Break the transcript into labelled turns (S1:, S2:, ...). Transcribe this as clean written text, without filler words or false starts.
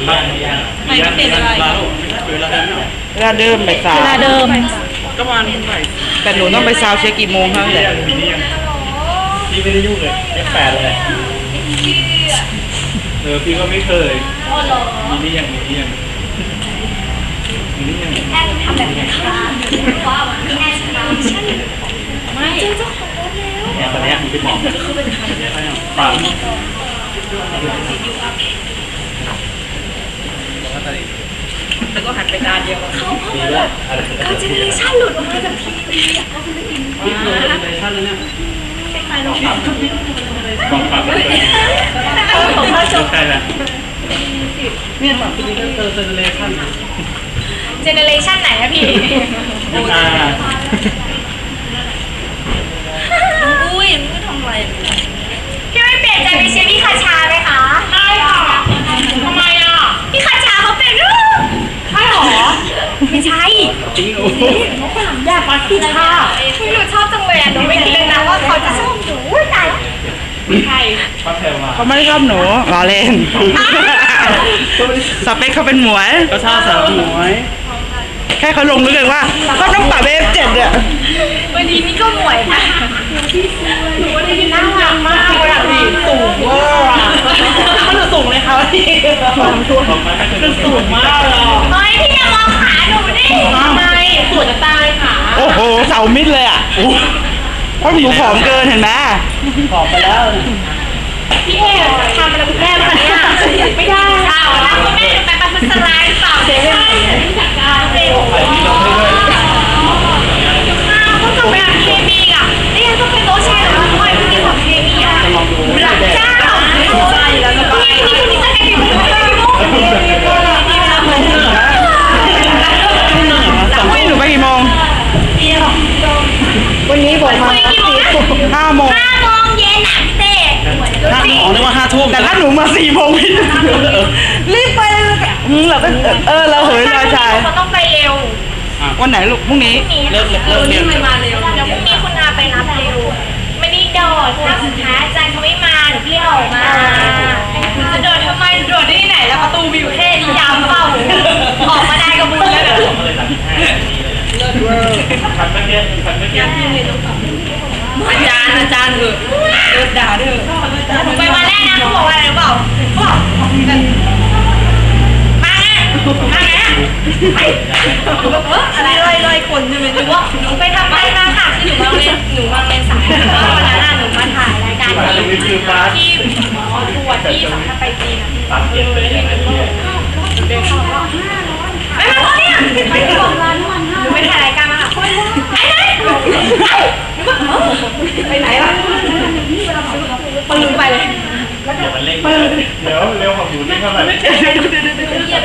S1: ไม่เป็นอะไร
S2: เวลาเดิมบ่ายสาม
S1: เวลาเดิม
S2: ก็ประมาณแต่หนูต้องไปซาวเช็คกี่โมงครับเนี่ย
S3: พี่ไม่ได้ยุ่งเลยF8เลยพี่ก็ไม่เคยมีนี่ยัง
S4: แค่ทำแบบนี้ค่ะว่าแค่ชนะไม่เจอเจ้าของรถแล้ว
S3: เนี่ยตอนนี้มีเป็นหมอปัง
S2: แล้วก็หันไปตาเดียว
S4: เขาเพราะว่าแบบเขาเจเนอเรชั่นหลุดออกมาจากทีวีอ่ะเขาไม่ได้ยิน
S3: เลยชั่นเลยเนี่ยกองขับเลย
S4: ของพระชม
S3: ใช่แหละเนี่ยฝั่งที่นี่ก็เจอเจเนอเรชั่น
S4: เจเนอเรชั่นไหนอะพี่อุ้ยมึงทำอะไรพี่ไม่เปลี่ยนใจไปเชียร์พี่คาชาไหมคะไม่ค่ะทำไมอ่ะพี่คาชาเขาเป็นใช่หรอไม่ใช่
S3: จริงโอ้
S4: อยากมาพี่ชาพี่หนูชอบจังเลยอ่ะหนูไม่คิดเลยนะว่าเขาจะชอบหนูตายแล้วใช่
S2: เขาไม่ได้ชอบหนูล้อเล่นสเปคเขาเป็นหมวย
S3: ก็ชอบสาวหมวย
S2: แค่เขาลงนึกเลยว่าก็ต้องปรับF7เนี่ย
S4: วันนี้นี่ก็หมวยนะหนูวันนี้น่ารักมากเลยอ่ะพี่
S2: สูงว่าเขาสูงเลยเขาที่สูงมากเลย
S4: เฮ้ยพี่อย่ามองขาหนูดิทำไมสวยจะตายขา
S2: โอ้โหเสามิดเลยอ่ะเพราะหนูผอมเกินเห็นไหม
S3: ผอมไปแล้ว
S4: พี่เอ๋ทำอะไรคุณแม่มาเนี่ยไม่ได้ค่ะแล้วคุณแม่ไปปัสสาวะหรือเปล่าใช่จัดการเร็วก็จะไปอ่านเคมีอ่ะนี่ยังต้องเป็นโต๊ะแชร์หรือว่าคอยพี่ของเคมีอ่ะรักเจ้าใช่แล้วก็นี่คุณนี่จะแอบอยู่ไม่ได้ลูก
S2: ไม่หนูไปกี่โมงวันนี้บอกมา5 โมง
S4: เย็นอ่ะเต้
S3: อ๋อนึกว่า5 ทุ่ม
S2: แต่ถ้าหนูมา4 โมงรีบไปเราก็เราเหินลอยชาย
S4: เขาต้องไปเร็ว
S2: วันไหนลูกพรุ่งนี้
S3: เลิกเรียน
S4: ไม่มาเร็วเดี๋ยวพรุ่งนี้คุณอาไปรับเร็วไม่ได้โดดถ้าสุดท้ายอาจารย์เขาไม่มาเดี๋ยวพี่ออกมาคุณจะโดดทำไมโดดได้ที่ไหนแล้วประตูมีอยู่แค่นี้ยามเฝ้าออกมาได้ก็บุญแล้วนะ
S3: พันเมื่อกี้
S2: อาจารย์เถอะโดนด่าเถอะ
S4: ไปวันแรกนะเขาบอกว่าอะไรรู้เปล่าเขาบอกมาไงอะไรลอยคนใช่ไหมหนูว่าหนูไปทำไปมาค่ะคือหนูมาเรียนสายแล้ววันนั้นหนูมาถ่ายรายการที่หมอตรวจที่สัมภาษณ์ไปจีนนะ
S3: ตามเกณฑ์ไปเลยนะพี่
S4: เดินเข้าก็ไม่มาเนี่ยไปบอกร้านวันหนูไปถ่ายรายการมาค่ะไปไหนล่ะปืนไปเลย
S3: เดี๋ยวมันเล่นเดี๋ยวเร็วของหนูนี่เท่าไหร่
S4: เหยียบ